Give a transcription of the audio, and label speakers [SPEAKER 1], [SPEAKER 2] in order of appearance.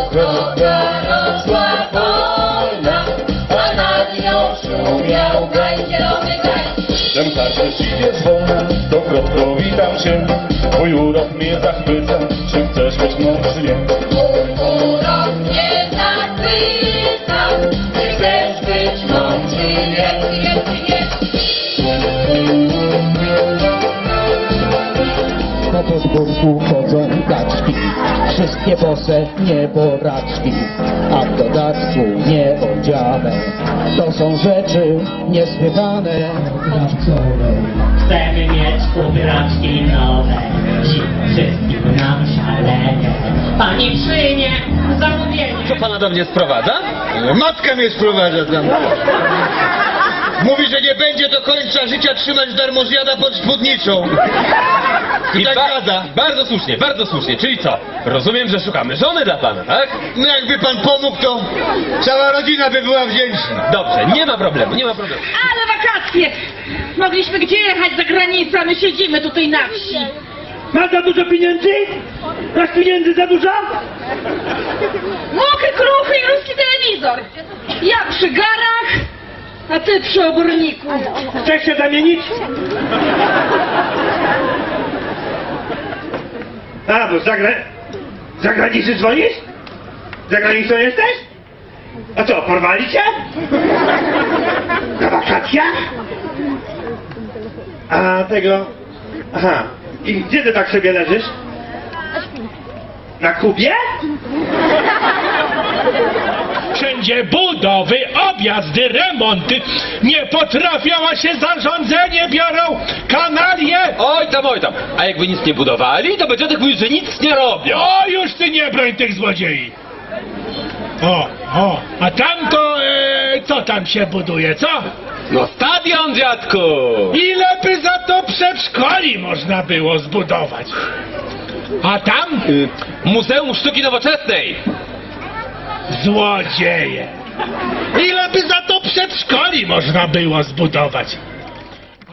[SPEAKER 1] droga rosła wolna, a nad nią szumiał gaj, zielony gaj.
[SPEAKER 2] Czem każdy idzie zwolna, stokrotko witam cię. Twój urok mnie zachwyca, czy chcesz być mną, czy nie?
[SPEAKER 1] Mój urok mnie zachwyca, czy chcesz być mą, czy nie?
[SPEAKER 3] Po podwórku chodzą kaczki, wszystkie bose nieboraczki, a w dodatku nieodziane. To są rzeczy niesłychane.
[SPEAKER 4] Chcemy mieć ubraczki nowe, dziś wszystkim nam szaleje. Pani przyjmie zamówienie.
[SPEAKER 5] Co pana do mnie sprowadza?
[SPEAKER 6] Matka mnie sprowadza tam. Mówi, że nie będzie do końca życia trzymać darmozjada pod spódnicą. I tak gada.
[SPEAKER 5] Bardzo słusznie. Czyli co? Rozumiem, że szukamy żony dla pana, tak?
[SPEAKER 6] No jakby pan pomógł, to cała rodzina by była wdzięczna.
[SPEAKER 5] Dobrze, nie ma problemu.
[SPEAKER 7] Ale wakacje! Mogliśmy gdzie jechać za granicę, a my siedzimy tutaj na wsi.
[SPEAKER 8] Masz za dużo pieniędzy? Masz pieniędzy za dużo?
[SPEAKER 7] Mokry, kruchy i ruski telewizor. Ja przy garach, a ty przy oborniku.
[SPEAKER 8] Chcesz się zamienić? A, bo z zagranicy dzwonisz? Za granicą jesteś? A co, porwali cię? Na wakacjach? A tego... Aha. I gdzie ty tak sobie leżysz? Na Kubie?
[SPEAKER 9] Wszędzie budowy, objazdy, remonty. Nie potrafią, a się zarządzenie biorą. Kanalie.
[SPEAKER 5] Oj tam. A jakby nic nie budowali, to będzie tak mówić, że nic nie robią.
[SPEAKER 9] O, już ty nie broń tych złodziei. A tam to, co tam się buduje, co?
[SPEAKER 5] No stadion, dziadku!
[SPEAKER 9] Ile by za to przedszkoli można było zbudować? A tam?
[SPEAKER 5] Muzeum Sztuki Nowoczesnej!
[SPEAKER 9] Złodzieje. Ile by za to przedszkoli można było zbudować?